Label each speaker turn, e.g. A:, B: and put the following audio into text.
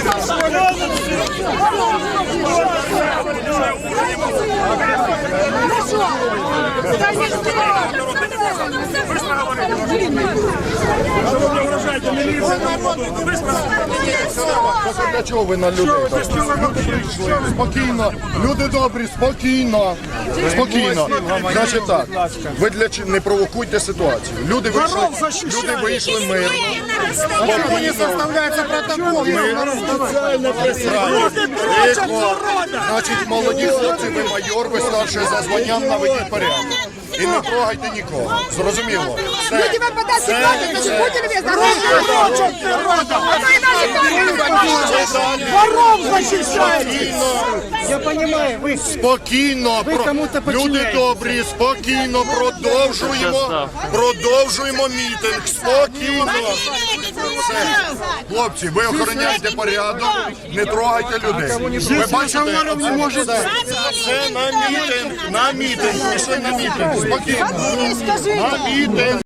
A: Для чого ви на людей? Спокійно, люди добрі, спокійно. Спокійно. Значить так, ви не провокуйте ситуацію. Люди вийшли мирно.
B: Не составляется протокол.
A: Значить, молоді хлопці, ви майор, ви старший за званням, наведіть порядок. І не трогайте нікого. Зрозуміло?
B: Люди вам подать ситуацию, значит, будете ли воров защищаете! Я понимаю, вы...
A: Спокійно, люди добрі, спокійно, продовжуємо мітинг, спокійно. Все. Хлопці, ви охороняєте порядок, не трогайте людей. Ви бачите, це на мітинг, пішли на мітинг, спокійно, на мітинг.